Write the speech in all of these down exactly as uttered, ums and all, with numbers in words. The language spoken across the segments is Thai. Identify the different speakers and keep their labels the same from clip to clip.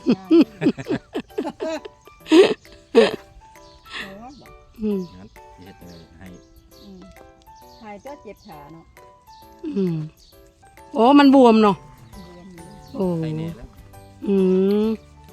Speaker 1: อืม
Speaker 2: งั้นเฮ็ดเลยให้
Speaker 3: หายเจ้าเจ็บขาเนาะ
Speaker 1: อืมโอ้มันบวมเนาะโอ้
Speaker 2: ใส่แน่แล้ว
Speaker 1: อืม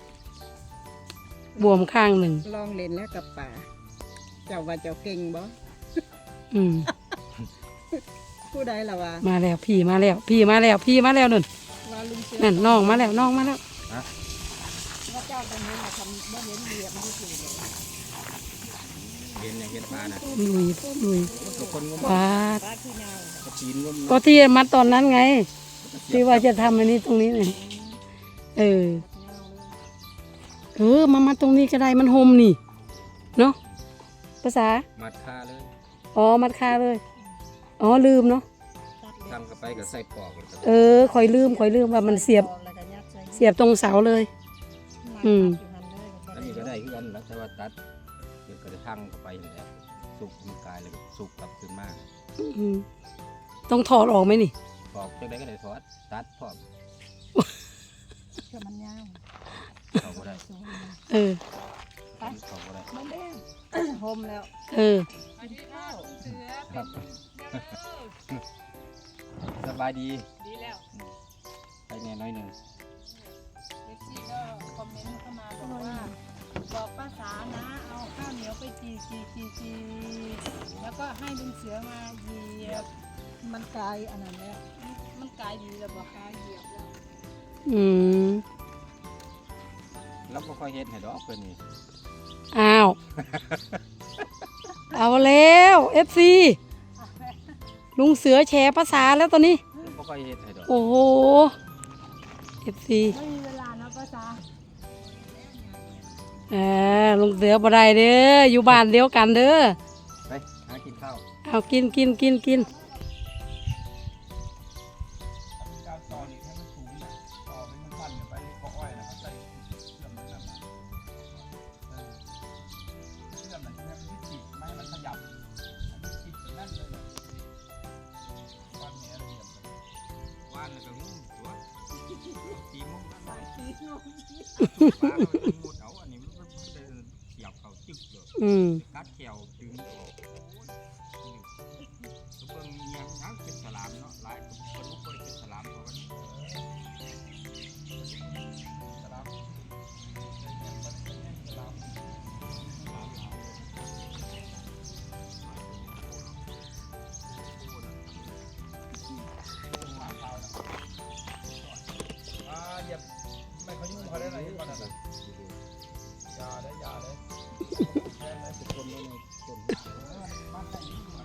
Speaker 1: บวมข้างหนึ่ง
Speaker 3: ลองเล่นแล้วกับป่าเจ้าว่าเจ้าเก่งบ่
Speaker 1: อืม
Speaker 3: ผู้ใดล่ะวะ
Speaker 1: มาแล้วพี่มาแล้วพี่มาแล้วพี่มาแล้วนั่น
Speaker 3: ว่าลุงเสือ
Speaker 1: นั่นน้องมาแล้วน้องมาแล้ว
Speaker 3: ว่าเจ้าตรงนี้มาทำบ่เห็นเหยียบมันที่สุดเลย
Speaker 2: เห็นอย่างเห็นปลาน่ะ
Speaker 1: ลุยลุย
Speaker 2: ทุกคนงม
Speaker 1: ปลา
Speaker 3: ปลาขี้เงาก
Speaker 2: ระชีนงม
Speaker 1: ก็ที่มัดตอนนั้นไง ที่ว่าจะทำอันนี้ตรงนี้เนี่ยเออ เออมามาตรงนี้ก็ได้มันโฮมนี่เนาะภาษา
Speaker 2: มัดคาเลย
Speaker 1: อ๋อมัดคาเลย อ๋อลืมเนาะ
Speaker 2: ทำกับไปกับใส่ปอกแล้วก็
Speaker 1: เออคอยลืมคอยลืมว่ามันเสียบเสียบตรงเสาเลย อืม
Speaker 2: อันนี้ก็ได้คือกันแล้วแต่ว่าตัดเดี๋ยวก็ได้ทั้งกับไปนั่นแหละสุกมันกลายแล้วก็สุกกลับขึ้นมา
Speaker 1: อืมต้องถอดออกไหมนี่
Speaker 2: ปอกจังได๋ก็ได้ทอดตัดพร้อม
Speaker 3: เชื่อมันยาว
Speaker 2: เขาบ่ได้
Speaker 1: เออ
Speaker 2: เขาบ่ได้
Speaker 3: มันแดงโฮมแล้ว
Speaker 1: เออ
Speaker 3: กินข้าว
Speaker 2: ครับสบายดี
Speaker 3: ดีแล้ว
Speaker 2: ไปแน่น้อยหนึง
Speaker 4: เอฟซีก็คอมเมนต์เข้ามาบอกว่าบอกป้าสานะเอาข้าวเหนียวไปจีจีจีจีแล้วก็ให้ลุงเสือมาเหยียบ
Speaker 3: มันกลายอันนั้นแล้ว
Speaker 4: มันกลายดีแล้วบอกกายเหยียบแล้ว
Speaker 1: อืม
Speaker 2: แล้วบ่ค่อยเฮ็ดให้ดอกเพิ่นนี่
Speaker 1: อ้าว เอาแล้วเอฟซีลุงเสือแชร์ภาษาแล้วตอนนี้
Speaker 2: บ่ค่อยเฮ็ดให้ดอก
Speaker 1: โอ้โหเอฟซี
Speaker 4: ไม่มีเวลานะป้าสา
Speaker 1: เออลุงเสือบ่ได้เด้ออยู่บ้านเดียวกันเด้อ
Speaker 2: ไปหากินข้าว
Speaker 1: เอากินกินกินกิน
Speaker 5: การต่อนี่ให้มันสูงนะต่อเป็นพันๆไปเกาะอ้อยนะครับใส่เชื่อมมันนั่นนะเออเชื่อมมันให้มันติดไม่ให้มันขยับให้มันติดแบบนั่นเลยนะวันนี้อะไรอย่างเงี้ย
Speaker 2: ว่านแล้วก็งุ้มตัวตีมุ้งนั่นได้
Speaker 3: ตีนง
Speaker 2: ปลาเราจะมุดเอาอันนี้มันมันจะเสียบเข้าจึกเลย
Speaker 1: อืม
Speaker 2: กัดแขวดึงออกโอ้ยตัวเบิ่งเงียบนังเป็นสลามเนาะหลายคนรู้บ่ได้เป็นสลามเพราะว่า
Speaker 5: สลับสลับ อ่าเหยียบไม่เขายุ่งเขาได้ไรก่อนนะอย่าได้อย่าได้แค่ได้เป็นคนไม่ในคนบ้านไหนยุ่งอ่ะ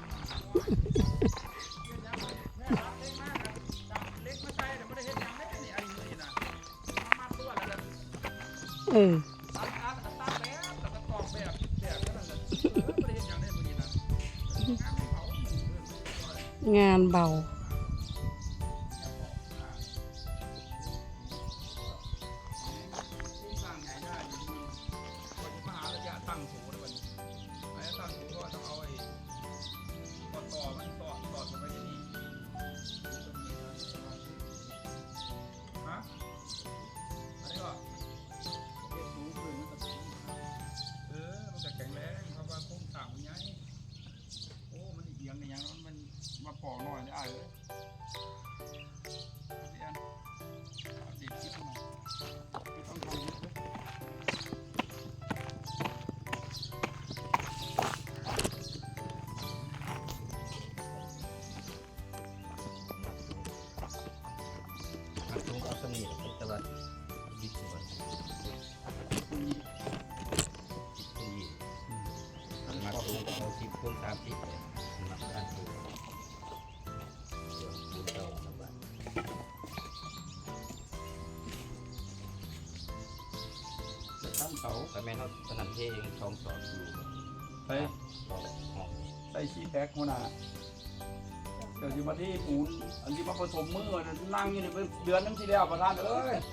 Speaker 5: เล็กมาใส่แต่ไม่ได้เห็นยังได้นี่ไอ้นี่นะมาตัวแล้ว
Speaker 1: เออ
Speaker 5: ตัดตัดตัดแบบแล้วก็ตอกแบบแบบนั้นแหละไม่ได้เห็นยังได้เมื่อกี้นะงานเขา
Speaker 1: งานเบา
Speaker 5: ตั้งไงได้คนจะมาหาระยะตั้งโถเลยวันไอ้ตั้งโถก็ต้องเอาไอ้ต่อต่อมันต่อต่อลงไปที่นี่ฮะอะไรก็เก็บสูงขึ้นมันก็เออมันก็แข็งแรงเพราะว่าโครงสร้างมันใหญ่โอ้มันเอียงในยังมันมาปอกหน่อยได้เลยเรียนอัปเดตคลิปหน่อยต้องทำเยอะเลย
Speaker 2: อันตรงเอาสมีแต่ว่าดิบว่ามาตรงเอาสิบคูณสามสิบเลยมาอันตรงเดี๋ยวคูณเท่ากันบ้างแล้วตั้งเสาแต่แม่เขาถนัดเทเองสองสอนอยู่
Speaker 5: ใส่
Speaker 2: สองห้อง
Speaker 5: ใส่ชีแพ็คหัวหน้าเดี๋ยวอยู่มาที่ปูนอันที่มาผสมมือนั่งอยู่นี่เป็นเดือนนึงทีแล้วประธานเอ้ย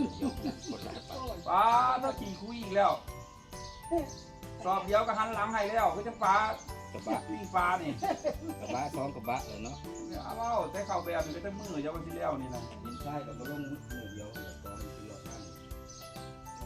Speaker 5: ป้าถ้าขี่คุยอีกแล้วสอบเดียวก็หันหลังให้แล้วคือจังฟ้าก
Speaker 2: ระบะ
Speaker 5: วิ่งฟ้านี่
Speaker 2: กระบะสองกระบะเลยเนาะ
Speaker 5: เนี่ยเอาเอาแต่เข้าแบบนี่ก็จะมือเดียวกันทีแล้วนี่นะ
Speaker 2: ดินทรายกับกระลงมือเดียวเลยตอนที่เราตั้ง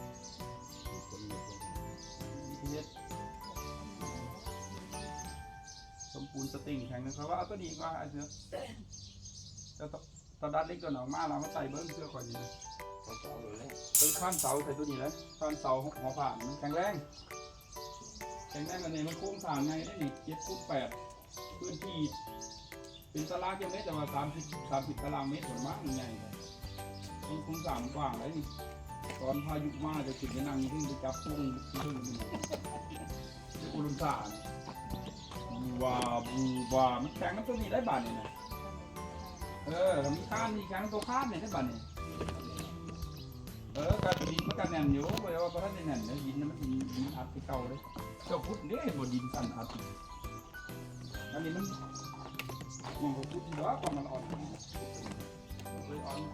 Speaker 5: สติงแข็งนะครับว่าเอาตัวนี้ก็ไอ้เสือจะตอนดัดเล็กตัวหนองมาเรามาใส่เบิ้งเสื้อก่อนดีนะเป็นข้านเสาใส่ตัวนี้เลยข้านเสาหัวผ่านมันแข็งแรงแข็งแรงกันเนี่ยมันโค้งสร้างไงได้นี่เจ็ดฟุตแปดพื้นที่เป็นตารางกิโลเมตรแต่ว่าสามสิบสามสิบตารางเมตรส่วนมากมันใหญ่เลยมันโค้งสร้างกว้างเลยนี่ตอนพายุมาจะขึ้นไปนั่งขึ้นไปจับพุ่งขึ้นไปอุลุนซาบูวาบูวามันแข็งมันตัวนี้ได้บาทเนี่ยนะเออมีข้ามมีแข็งตัวข้ามเนี่ยได้บาทเนี่ยเออการดินมันการแน่นอยู่เพราะว่าพระท่านแน่นเนี่ยดินมันดินดินอัดไปเก่าเลยเจ้าพุทธเนี่ยบนดินสั่นอัดอันนี้มันมันก็พุทธที่ว่าความมันอ่อนเลยอ่อน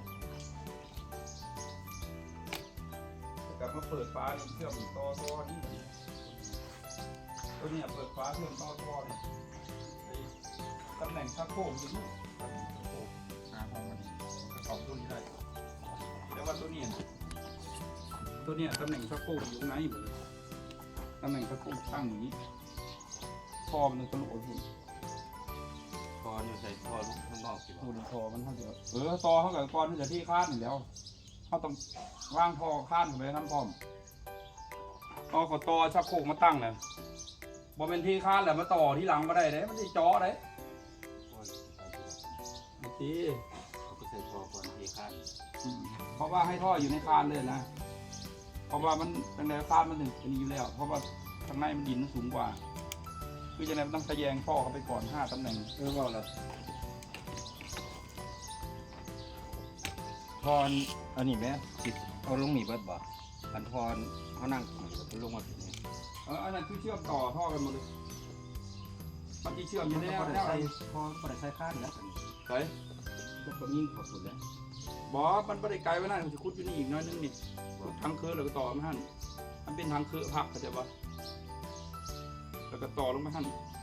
Speaker 5: กลับมาเปิดฟ้าเชื่อมต่อต่อนี่ตัวนี้เปิดฟ้าเชื่อมต่อต่อเนี่ยตำแหน่งชักโครกอยู่นี่หาห้องมันกระสอบตัวนี้ได้แต่ว่าตัวนี้ตัวนี้ตำแหน่งชักโครกอยู่ไหนอยู่เลยตำแหน่งชักโครกตั้งอย่างนี้คอมันตลกอยู่คอเนี่ยใส่คอลูกข้างนอกสิคุณคอมันเท่าเดิมเออต่อเขากับคอมันจะที่คาดอยู่แล้วเขาต้องวางท่อข้านเข้าไปน้ำพร้อมเอาขอต่อชักโครกมาตั้งเลยบอเป็นที่ข้านแหละมาต่อที่หลังมาได้เลยมันจะจ่อได้โอเคเขาก็ใส่ท่อก่อนที่ข้านเพราะว่าให้ท่ออยู่ในคานเลยนะเพราะว่ามันเป็นแนวคานมันถึงจะมีอยู่แล้วเพราะว่าข้างในมันดินมันสูงกว่าคือจะไหนมันต้องทะแยงท่อเข้าไปก่อนห้าตำแหน่งเออว่าแล้ว
Speaker 2: ทอนอันนี้แม่ติดเอาลงหนีเบิดบ่อันทอนเขานั่งขี่แล้วลงมาถึงนี้
Speaker 5: เอออันนั้นคือเชื่อมต่อท่อกันหมดเลยมันจะเชื่อมอยู่ในแนว
Speaker 2: พอได้ใส่พอพอได้ใส่ข้านแล้ว
Speaker 5: ใส่
Speaker 2: ก็ต้องยิ่งขอบสุดแล้ว
Speaker 5: บอมันไม่ได้ไกลไว้นั่นมันจะคุดอยู่นี่อีกน้อยนึงนี่ทางเคือแล้วก็ต่อมาหั่นมันเป็นทางเคือผักเข้าใจปะแล้วก็ต่อลงมาหั่น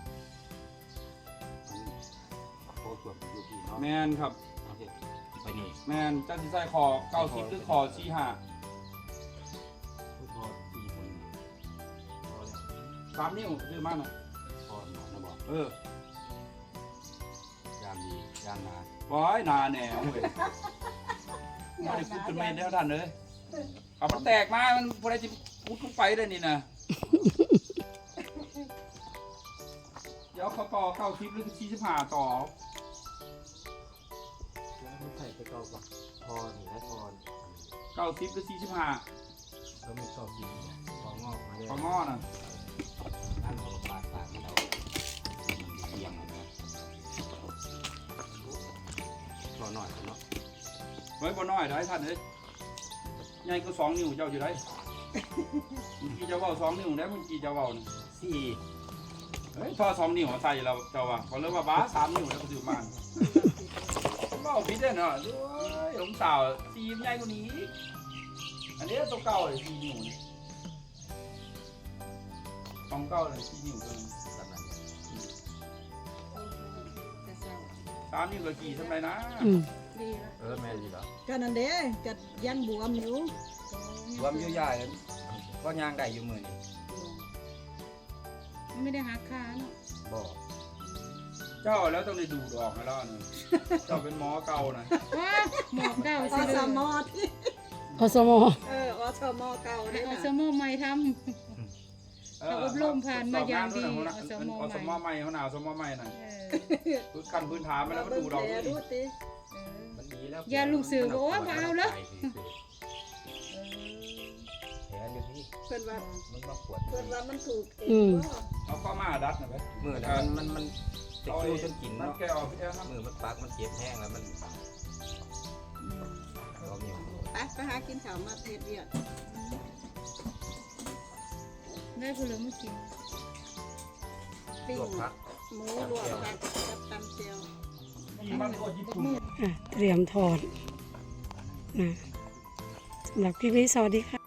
Speaker 5: แมนครับ
Speaker 2: ไปนี่
Speaker 5: แมนจ้าที่ใส่คอเก้าสิบหรือคอสี่ห้าสามนิ้วซื้อมาหน่อย
Speaker 2: พอหนานะบอก
Speaker 5: เอ
Speaker 2: อยางดียางนา
Speaker 5: ว้ายนาแหน่เว้ยไม่ได้พูดเป็นเมนแล้วท่านเลยเอามันแตกมามันพอได้จะพูดลงไปได้นี่นะเดี๋ยวเขาต่อเก้าสิบหรือสี่สิบห้าต่อ
Speaker 2: แล้วใส่ไปเก้ากับพอหนึ่งและพอ
Speaker 5: เก้าสิบหรือสี่สิบห้า
Speaker 2: แล้วมีเก้าสิบพองอกมาเลย
Speaker 5: พองอน่ะ
Speaker 2: นั่นเราปาดปาดเราเอียงนะพอหน่อยเนาะ
Speaker 5: เฮ้ยบ่น้อยได้ท่านเลยใหญ่ก็สองนิ้วเจ้าอยู่ได้มึงกี่จะว่าสองนิ้วได้มึงกี่จะว่า
Speaker 2: สี่
Speaker 5: เฮ้ยทอสองนิ้วใส่เราเจ้าว่าเขาเรียกว่าบ้าสามนิ้วแล้วก็ถือมันเบ้าพิษได้เนาะด้วยผมสาวซีมใหญ่กว่านี้อันนี้ตัวเก่าเลยสี่นิ้วของเก่าเลยสี่นิ้วเลยสามนิ้วก็กี่ทำไรนะ
Speaker 2: เออแม่ดีเหรอ
Speaker 3: ก็นั่นเด้จะยันบวมอยู่
Speaker 2: บวมอยู่ใหญ่ก็ย่างได้อยู่มือนี่
Speaker 4: ไม่ได้หักขาเนาะ
Speaker 2: บอก
Speaker 5: เจ้าแล้วต้องได้ดูดอกให้แล้วนะเจ้าเป็นหมอเก่านะ
Speaker 4: หมอเก่า
Speaker 3: อสมอที่
Speaker 1: อสม
Speaker 3: เอออสมอเก่า
Speaker 4: ได้อสมใหม่ทำเขาอบรมผ่านมาอย่างดีอสม
Speaker 5: อสมใหม่เขาหนาวอสมใหม่น่ะพื้นกันพื้นฐานมาแล้วก็ดูดอกนี่
Speaker 2: มันดีแล้ว
Speaker 4: ยาลูกเสือบอกว่าเอาแล้ว
Speaker 2: แผลอยู่ที่
Speaker 3: เพื่อนว่า
Speaker 2: มันมาปวด
Speaker 3: เพื่อนว่ามันถูกเอ
Speaker 1: ง
Speaker 5: เอาข้อมาดัดนะเว้ย
Speaker 2: มือมันมันมันจะคิ้วจนกินเนาะมือมันปากมันเจ็บแห้งแล้วมันเราเนี่ย
Speaker 3: ไปไปหากินข้าวมาเทศเดียว
Speaker 4: ได้ผลไม้กิน
Speaker 3: ปิ้งหมูลวกผักกับตำเจียว
Speaker 1: เตรียมทอดนะสำหรับคลิปนี้สวัสดีค่ะ